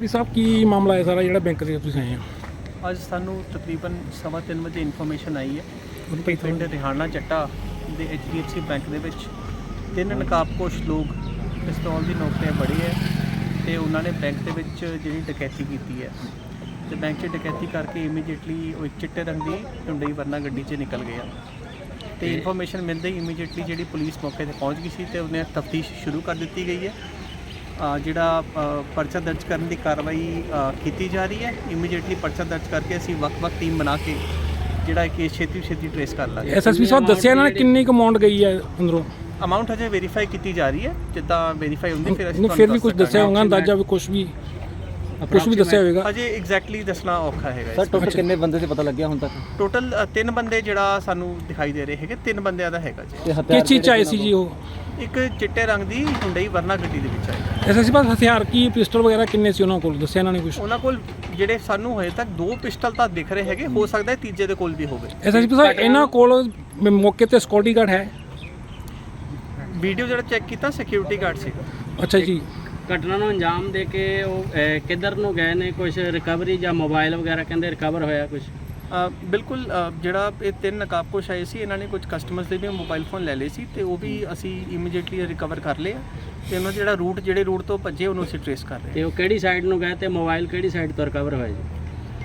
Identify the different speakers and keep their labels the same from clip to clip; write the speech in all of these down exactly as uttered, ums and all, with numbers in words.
Speaker 1: SSP ਸਾਹਿਬ ਕੀ ਮਾਮਲਾ ਹੈ ਸਾਰਾ ਜਿਹੜਾ ਬੈਂਕ ਦੇ ਤੁਸੀਂ ਆਏ ਹੋ?
Speaker 2: ਅੱਜ ਸਾਨੂੰ ਤਕਰੀਬਨ ਸਵਾ ਤਿੰਨ ਵਜੇ ਇਨਫੋਰਮੇਸ਼ਨ ਆਈ ਹੈ ਪਿੰਡ ਰਿਹਾਨਾ ਚੱਟਾ ਦੇ H D F C bank ਦੇ ਵਿੱਚ ਤਿੰਨ ਨਕਾਬਪੋਸ਼ ਲੋਕ ਪਿਸਤੌਲ ਦੀ ਨੋਕ 'ਤੇ ਬੜੇ ਹੈ ਅਤੇ ਉਹਨਾਂ ਨੇ ਬੈਂਕ ਦੇ ਵਿੱਚ ਜਿਹੜੀ ਡਕੈਤੀ ਕੀਤੀ ਹੈ ਅਤੇ ਬੈਂਕ 'ਚ ਡਕੈਤੀ ਕਰਕੇ ਇਮੀਡੀਏਟਲੀ ਉਹ ਇੱਕ ਚਿੱਟੇ ਰੰਗ ਦੀ ਹੁੰਡਈ ਵਰਨਾ ਗੱਡੀ 'ਚ ਨਿਕਲ ਗਿਆ ਅਤੇ ਇਨਫੋਰਮੇਸ਼ਨ ਮਿਲਦੇ ਹੀ ਇਮੀਡੀਏਟਲੀ ਜਿਹੜੀ ਪੁਲਿਸ ਮੌਕੇ 'ਤੇ ਪਹੁੰਚ ਗਈ ਸੀ ਅਤੇ ਉਹਨੇ ਤਫਤੀਸ਼ ਸ਼ੁਰੂ ਕਰ ਦਿੱਤੀ ਗਈ ਹੈ। ਜਿਹੜਾ ਪਰਚਾ ਦਰਜ ਕਰਨ ਦੀ ਕਾਰਵਾਈ ਕੀਤੀ ਜਾ ਰਹੀ ਹੈ। ਇਮੀਡੀਏਟਲੀ ਪਰਚਾ ਦਰਜ ਕਰਕੇ ਅਸੀਂ ਵੱਖ-ਵੱਖ ਟੀਮ ਬਣਾ ਕੇ ਜਿਹੜਾ ਕੇਸ ਛੇਤੀ ਛੇਤੀ ਟ੍ਰੇਸ ਕਰ ਲਾਂਗੇ।
Speaker 1: ਐਸਐਸਪੀ ਸਾਹਿਬ ਦੱਸਿਆ ਇਹਨਾਂ ਨੇ ਕਿੰਨੀ ਕੁ ਅਮਾਊਂਟ ਗਈ ਹੈ ਅੰਦਰੋਂ?
Speaker 2: ਅਮਾਊਂਟ ਹਜੇ ਵੈਰੀਫਾਈ ਕੀਤੀ ਜਾ ਰਹੀ ਹੈ, ਜਿੱਦਾਂ ਵੈਰੀਫਾਈ ਹੁੰਦੀ ਫਿਰ ਅਸੀਂ
Speaker 1: ਫਿਰ ਵੀ ਕੁਝ ਦੱਸਿਆ ਹੋਊਗਾ ਅੰਦਾਜ਼ਾ ਵੀ ਕੁਝ ਵੀ ਕੁਝ ਵੀ ਦੱਸਿਆ ਹੋਵੇਗਾ?
Speaker 2: ਅਜੇ ਐਗਜ਼ੈਕਟਲੀ ਦੱਸਣਾ ਔਖਾ ਹੈਗਾ।
Speaker 3: ਸਰ ਟੋਟਲ ਕਿੰਨੇ ਬੰਦੇ ਸੀ ਪਤਾ ਲੱਗਿਆ ਹੁਣ ਤੱਕ?
Speaker 2: ਟੋਟਲ ਤਿੰਨ ਬੰਦੇ ਜਿਹੜਾ ਸਾਨੂੰ ਦਿਖਾਈ ਦੇ ਰਹੇ ਹੈਗੇ, ਤਿੰਨ ਬੰਦਿਆਂ ਦਾ ਹੈਗਾ ਜੀ।
Speaker 1: ਕਿਸ ਚੀਜ਼ 'ਚ ਆਏ ਸੀ ਜੀ ਉਹ?
Speaker 2: ਇੱਕ ਚਿੱਟੇ ਰੰਗ ਦੀ ਹੁੰਡਈ ਵਰਨਾ ਗੱਡੀ ਦੇ ਵਿੱਚ ਆਏ।
Speaker 1: ਐਸਐਸਪੀ ਸਾਹਿਬ ਹਥਿਆਰ ਕੀ ਪਿਸਟਲ ਵਗੈਰਾ ਕਿੰਨੇ ਸੀ ਉਹਨਾਂ ਕੋਲ, ਦੱਸਿਆ ਇਹਨਾਂ ਨੇ ਕੁਝ?
Speaker 2: ਉਹਨਾਂ ਕੋਲ ਜਿਹੜੇ ਸਾਨੂੰ ਹਜੇ ਤੱਕ ਦੋ ਪਿਸਟਲ ਤਾਂ ਦਿਖ ਰਹੇ ਹੈਗੇ, ਹੋ ਸਕਦਾ ਹੈ ਤੀਜੇ ਦੇ ਕੋਲ ਵੀ ਹੋਵੇ।
Speaker 1: ਐਸਐਸਪੀ ਸਾਹਿਬ ਇਹਨਾਂ ਕੋਲ ਮੌਕੇ ਤੇ ਸਿਕਿਉਰਿਟੀ ਗਾਰਡ ਹੈ?
Speaker 2: ਵੀਡੀਓ ਜਿਹੜਾ ਚੈੱਕ ਕੀਤਾ ਸਿਕਿਉਰਿਟੀ ਗਾਰਡ ਸੀਗਾ।
Speaker 1: ਅੱਛਾ ਜੀ।
Speaker 4: ਘਟਨਾ ਨੂੰ ਅੰਜਾਮ ਦੇ ਕੇ ਉਹ ਕਿੱਧਰ ਨੂੰ ਗਏ ਨੇ? ਕੁਝ ਰਿਕਵਰੀ ਜਾਂ ਮੋਬਾਈਲ ਵਗੈਰਾ ਕਹਿੰਦੇ ਰਿਕਵਰ ਹੋਇਆ ਕੁਝ?
Speaker 2: ਬਿਲਕੁਲ, ਜਿਹੜਾ ਇਹ ਤਿੰਨ ਨਕਾਬਪੋਸ਼ ਆਏ ਸੀ ਇਹਨਾਂ ਨੇ ਕੁਝ ਕਸਟਮਰਸ ਦੇ ਵੀ ਮੋਬਾਈਲ ਫੋਨ ਲੈ ਲਏ ਸੀ ਅਤੇ ਉਹ ਵੀ ਅਸੀਂ ਇਮੀਡੀਏਟਲੀ ਰਿਕਵਰ ਕਰ ਲਏ ਅਤੇ ਉਹਨਾਂ ਜਿਹੜਾ ਰੂਟ ਜਿਹੜੇ ਰੂਟ ਤੋਂ ਭੱਜੇ ਉਹਨੂੰ ਅਸੀਂ ਟ੍ਰੇਸ ਕਰ ਰਹੇ।
Speaker 4: ਅਤੇ ਉਹ ਕਿਹੜੀ ਸਾਈਡ ਨੂੰ ਗਏ ਅਤੇ ਮੋਬਾਈਲ ਕਿਹੜੀ ਸਾਈਡ ਤੋਂ ਰਿਕਵਰ ਹੋਇਆ ਜੀ?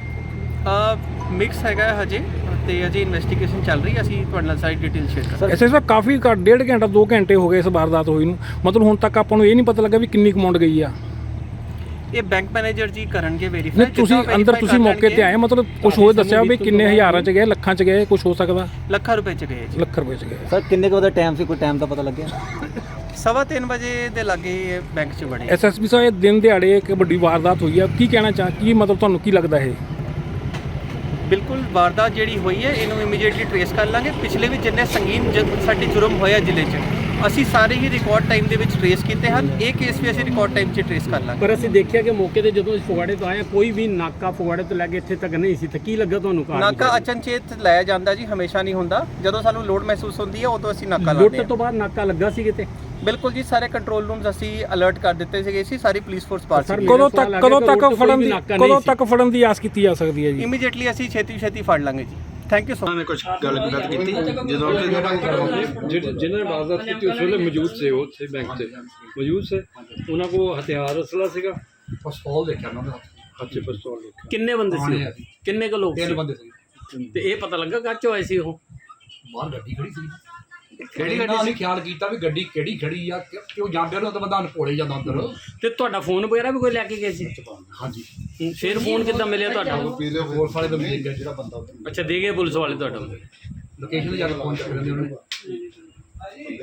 Speaker 2: ਮਿਕਸ ਹੈਗਾ ਹਜੇ ਅਤੇ ਅਜੇ ਇਨਵੈਸਟੀਗੇਸ਼ਨ ਚੱਲ ਰਹੀ ਹੈ, ਅਸੀਂ ਤੁਹਾਡੇ ਨਾਲ ਸਾਰੀ ਡਿਟੇਲ ਸ਼ੇਅਰ ਕਰਾਂਗੇ।
Speaker 1: ਐਸਐਸਪੀ ਸਾਹਿਬ ਕਾਫੀ ਘੱਟ ਡੇਢ ਘੰਟਾ ਦੋ ਘੰਟੇ ਹੋ ਗਏ ਇਸ ਵਾਰਦਾਤ ਹੋਈ ਨੂੰ, ਮਤਲਬ ਹੁਣ ਤੱਕ ਆਪਾਂ ਨੂੰ ਇਹ ਨਹੀਂ ਪਤਾ ਲੱਗਾ ਵੀ ਕਿੰਨੀ ਕੁ ਅਮਾਊਂਟ ਗਈ ਆ?
Speaker 2: ਇਹ ਬੈਂਕ ਮੈਨੇਜਰ ਜੀ ਕਰਨਗੇ ਵੈਰੀਫਾਈ।
Speaker 1: ਨਹੀਂ ਤੁਸੀਂ ਅੰਦਰ ਤੁਸੀਂ ਮੌਕੇ ਤੇ ਆਏ, ਮਤਲਬ ਕੁਝ ਹੋਰ ਦੱਸਿਆ ਵੀ ਕਿੰਨੇ ਹਜ਼ਾਰਾਂ 'ਚ ਗਏ, ਲੱਖਾਂ 'ਚ ਗਏ, ਕੁਝ ਹੋ ਸਕਦਾ?
Speaker 2: ਲੱਖਾਂ ਰੁਪਏ 'ਚ ਗਏ ਜੀ।
Speaker 1: ਲੱਖ ਰੁਪਏ 'ਚ ਗਏ।
Speaker 3: ਸਰ ਕਿੰਨੇ ਕੁ ਦਾ ਟਾਈਮ ਸੀ, ਕੋਈ ਟਾਈਮ ਦਾ ਪਤਾ ਲੱਗਿਆ?
Speaker 2: ਸਵਾ ਤਿੰਨ ਵਜੇ ਦੇ ਲਾਗੇ ਬੈਂਕ 'ਚ ਬੜੇ।
Speaker 1: ਐਸਐਸਪੀ ਸਾਹਿਬ ਇਹ ਦਿਨ ਦਿਹਾੜੇ ਇੱਕ ਵੱਡੀ ਵਾਰਦਾਤ ਹੋਈ ਆ, ਕੀ ਕਹਿਣਾ ਚਾਹ ਕੀ ਮਤਲਬ ਤੁਹਾਨੂੰ ਕੀ ਲੱਗਦਾ ਇਹ?
Speaker 2: ਬਿਲਕੁਲ ਵਾਰਦਾਤ ਜਿਹੜੀ ਹੋਈ ਹੈ ਇਹਨੂੰ ਇਮੀਡੀਏਟਲੀ ਟ੍ਰੇਸ ਕਰ ਲਾਂਗੇ। ਪਿਛਲੇ ਵੀ ਜਿੰਨੇ ਸੰਗੀਨ ਸਾਡੇ ਜੁਰਮ ਹੋਇਆ ਜ਼ਿਲ੍ਹੇ 'ਚ ਅਸੀਂ ਸਾਰੇ ਹੀ ਰਿਕਾਰਡ ਟਾਈਮ ਦੇ ਵਿੱਚ ਟ੍ਰੇਸ ਕੀਤੇ ਹਨ। ਇਹ ਕੇਸ ਵੀ ਅਸੀਂ ਰਿਕਾਰਡ ਟਾਈਮ 'ਚ ਟ੍ਰੇਸ ਕਰ ਲਾਂਗੇ।
Speaker 4: ਪਰ ਅਸੀਂ ਦੇਖਿਆ ਕਿ ਮੌਕੇ ਤੇ ਜਦੋਂ ਫਗਵਾੜੇ ਤੋਂ ਆਏ ਕੋਈ ਵੀ ਨਾਕਾ ਫਗਵਾੜੇ ਤੋਂ ਲੈ ਕੇ ਇੱਥੇ ਤੱਕ ਨਹੀਂ ਸੀ, ਤਾਂ ਕੀ ਲੱਗਾ ਤੁਹਾਨੂੰ?
Speaker 2: ਨਾਕਾ ਅਚਨਚੇਤ ਲਾਇਆ ਜਾਂਦਾ ਜੀ, ਹਮੇਸ਼ਾ ਨਹੀਂ ਹੁੰਦਾ। ਜਦੋਂ ਸਾਨੂੰ ਲੋਡ ਮਹਿਸੂਸ ਹੁੰਦੀ ਹੈ ਉਦੋਂ ਅਸੀਂ ਨਾਕਾ ਲਾਉਂਦੇ ਹਾਂ।
Speaker 4: ਲੁੱਟ ਤੋਂ ਬਾਅਦ ਨਾਕਾ ਲੱਗਾ ਸੀ ਕਿਤੇ?
Speaker 2: ਬਿਲਕੁਲ ਜੀ, ਸਾਰੇ ਕੰਟਰੋਲ ਰੂਮਸ ਅਸੀਂ ਅਲਰਟ ਕਰ ਦਿੱਤੇ ਸੀਗੇ ਸੀ, ਸਾਰੀ ਪੁਲਿਸ ਫੋਰਸ ਪਾਸ ਸੀ।
Speaker 1: ਕਦੋਂ ਤੱਕ ਕਦੋਂ ਤੱਕ ਫੜਨ ਦੀ ਕਦੋਂ ਤੱਕ ਫੜਨ ਦੀ ਆਸ ਕੀਤੀ ਜਾ ਸਕਦੀ ਹੈ ਜੀ?
Speaker 2: ਇਮੀਡੀਏਟਲੀ ਅਸੀਂ ਛੇਤੀ ਛੇਤੀ ਫੜ ਲਾਂਗੇ ਜੀ। Thank you so much.
Speaker 5: ਕੁਝ ਗੱਲ ਗੱਲ ਕੀਤੀ ਜਦੋਂ
Speaker 6: ਜਿਹੜੇ ਜਿਨ੍ਹਾਂ ਨੇ ਵਾਰਦਾਤ ਕੀਤੀ ਉਸ ਵੇਲੇ ਮੌਜੂਦ ਸੀ, ਉਹ ਉੱਥੇ ਬੈਂਕ 'ਤੇ ਮੌਜੂਦ ਸੀ। ਉਹਨਾਂ ਕੋਲ ਹਥਿਆਰ ਅਸਲਾ ਸੀਗਾ?
Speaker 5: ਪਿਸਤੌਲ ਦੇਖਿਆ ਉਹਨਾਂ ਦਾ।
Speaker 6: ਅੱਛੇ ਪਿਸਤੌਲ ਦੇਖਿਆ।
Speaker 4: ਕਿੰਨੇ ਬੰਦੇ ਸੀ? ਕਿੰਨੇ ਕੁ ਲੋਕ
Speaker 5: ਤਿੰਨ
Speaker 4: ਸੀ?
Speaker 5: ਬੰਦੇ ਸੀ।
Speaker 4: ਤੇ ਇਹ ਪਤਾ ਲੱਗਾ ਕਾਚੋ ਆਏ ਸੀ ਉਹ?
Speaker 5: ਬਾਹਰ ਗੱਡੀ ਖੜੀ ਸੀ। ਕਿਹੜੀ ਗੱਡੀ ਸੀ? ਖਿਆਲ ਕੀਤਾ ਵੀ ਗੱਡੀ ਕਿਹੜੀ ਖੜੀ ਆ, ਕਿਉਂ ਜਾਂਦੇ ਨੂੰ ਤਾਂ ਬੰਦਾ ਅਨਪੋਲੇ ਜਾਂਦਾ ਅੰਦਰ।
Speaker 4: ਤੇ ਤੁਹਾਡਾ ਫੋਨ ਵਗੈਰਾ ਵੀ ਕੋਈ ਲੈ ਕੇ ਗਏ ਸੀ?
Speaker 5: ਹਾਂਜੀ।
Speaker 4: ਫਿਰ ਫੋਨ ਕਿੱਦਾਂ ਮਿਲਿਆ ਤੁਹਾਡਾ?
Speaker 5: ਪੁਲਿਸ ਵਾਲੇ ਬੰਦੇ ਜਿਹੜਾ ਬੰਦਾ
Speaker 4: ਅੱਛਾ, ਦੇ ਗਏ ਪੁਲਿਸ ਵਾਲੇ ਤੁਹਾਡਾ?
Speaker 5: ਲੋਕੇਸ਼ਨ ਤੇ ਜਾ ਕੇ ਫੋਨ ਚੱਕ ਲੈਂਦੇ ਉਹਨੇ।